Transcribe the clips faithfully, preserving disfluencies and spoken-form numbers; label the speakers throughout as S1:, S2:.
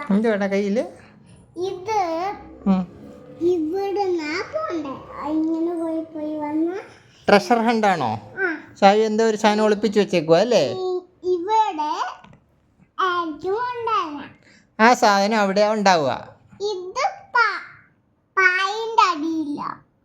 S1: എന്തുവാടാ കയ്യില്?
S2: ഇത് ഇവിടെ ഇങ്ങനെ പോയി പോയി വന്ന
S1: ട്രഷർ ഹണ്ടാണോ? ഷായു എന്തോ ഒരു സാധനം ഒളിപ്പിച്ചു വെച്ചേക്കുവാ അല്ലേ?
S2: ഇവിടെ
S1: ആ സാധനം അവിടെ ഉണ്ടാവുക.
S2: ഇത് പായിന്റെ അടിയില്ല.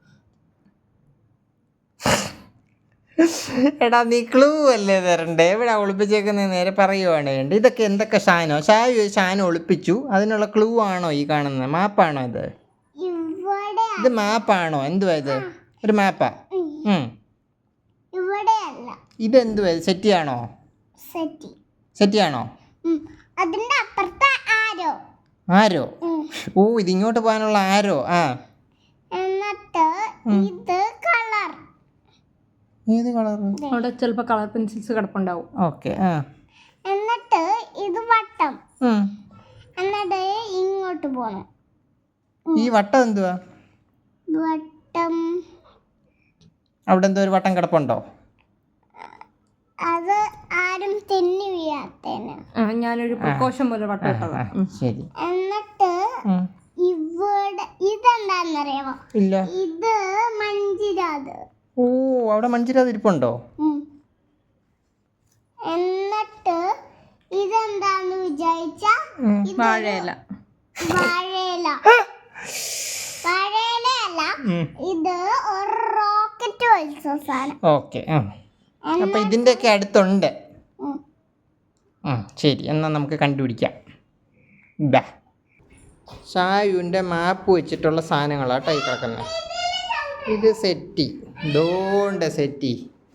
S1: എടാ നീ ക്ലൂ അല്ലേ തരണ്ടേ? എവിടെ ഒളിപ്പിച്ചേക്കുന്ന നേരെ പറയുവാണ് വേണ്ട. ഇതൊക്കെ എന്തൊക്കെ സാധനമോ? ഷായു ഒരു സാധനം ഒളിപ്പിച്ചു, അതിനുള്ള ക്ലൂ ആണോ ഈ കാണുന്നത്? മാപ്പാണോ ഇത്? ഇത് മാപ്പാണോ? എന്തുവാ ഇത്? ഒരു മാപ്പാ? ഇതെന്തുവാ? സെറ്റിയാണോ? സെറ്റിയാണോ?
S2: അതിന്റെ അപ്പുറത്തെ ആരോ
S1: ആരോ? ഓ, ഇതിങ്ങോട്ട് പോകാനുള്ള ആരോ. ആ,
S2: എന്നിട്ട് ഇത് കളർ.
S1: ഏത് കളർ?
S3: അവിടെ ചിലപ്പോൾ കളർ പെൻസിൽസ് കിടപ്പുണ്ടാവും.
S1: ഓക്കെ. ആ,
S2: എന്നിട്ട് ഇത് വട്ടം. എന്നിട്ട് ഇങ്ങോട്ട് പോണം.
S1: ഈ വട്ടം എന്തുവാ?
S2: വട്ടം
S1: അവിടെ എന്തോ ഒരു വട്ടം കിടപ്പുണ്ടോ?
S2: അത് ആരും തെന്നി വീഴാത്തേന്
S3: ഞാനൊരു പ്രകോശം പോലെ വട്ടം ഇട്ടതാ.
S1: ശരി.
S2: എന്നിട്ട് ഇവിടെ ഇതെന്താന്നറിയാമോ?
S1: ഇല്ല.
S2: ഇത് മഞ്ചിരാത്.
S1: ഓ, അവിടെ മഞ്ചിരാത് ഇരിപ്പുണ്ടോ?
S2: എന്നിട്ട് ഇതെന്താന്ന് വിചാരിച്ച
S3: വാഴയില.
S2: വാഴയില വാഴയിലല്ല, ഇത് ഒരു റോക്കറ്റ് വലിച്ച സാധനം.
S1: ഓക്കെ. അപ്പൊ ഇതിന്റെയൊക്കെ അടുത്തുണ്ട്. ശരി, എന്നാ നമുക്ക് കണ്ടുപിടിക്കാം. ബാ, ഷായുവിൻ്റെ മാപ്പ് വെച്ചിട്ടുള്ള സാധനങ്ങളാട്ടോ ഈ കിടക്കുന്നത്. ഇത് സെറ്റി, ദോണ്ട സെറ്റി.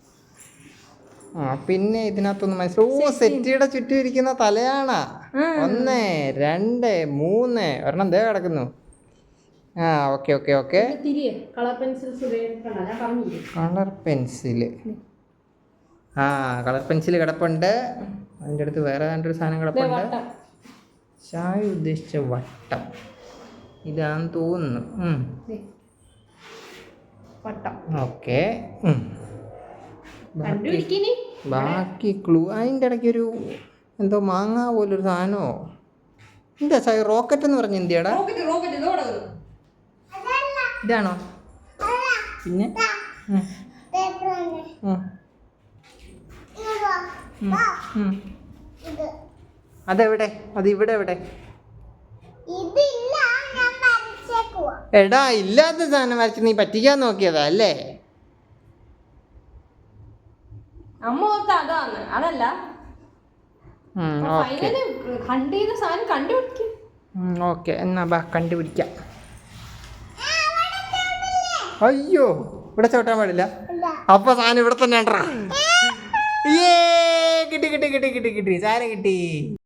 S1: ആ, പിന്നെ ഇതിനകത്തൊന്ന് മനസ്സിലാവും. ഓ, സെറ്റിയുടെ ചുറ്റും ഇരിക്കുന്ന തലയാണാ. ഒന്ന്, രണ്ട്, മൂന്ന്, ഒരെണ്ണം ദേ കിടക്കുന്നു. ആ, okay okay okay.
S3: Colour pencils.
S1: Colour pencil. ആ, കളർ പെൻസിൽ കിടപ്പുണ്ട്. അതിൻ്റെ അടുത്ത് വേറെ രണ്ടൊരു സാധനം കിടപ്പുണ്ട്. ഷായു ഉദ്ദേശിച്ച വട്ടം ഇതാന്ന് തോന്നുന്നു.
S3: വട്ടം.
S1: ഓക്കെ. ബാക്കി ക്ലൂ അതിൻ്റെ ഇടയ്ക്ക് ഒരു എന്തോ മാങ്ങ പോലൊരു സാധനമോ. എന്താ ഷായു റോക്കറ്റ് എന്ന് പറഞ്ഞ എന്തിയാടാ? ഇതാണോ? പിന്നെ അതെവിടെ? അത് ഇവിടെ എവിടെ? എടാ, ഇല്ലാത്ത സാധനം വരച്ച് നീ പറ്റിക്കാൻ നോക്കിയതാ അല്ലേ?
S3: അമ്മ ഓർത്ത അതാണ്, അതല്ല.
S1: ഓക്കെ, എന്നാ ബാ കണ്ടുപിടിക്കാം. അയ്യോ, ഇവിടെ ചവിട്ടാൻ പാടില്ല. അപ്പൊ സാധനം ഇവിടെ തന്നെ ഉണ്ടോ? ഏ, കിട്ടി കിട്ടി കിട്ടി കിട്ടി കിട്ടി സാധനം കിട്ടി.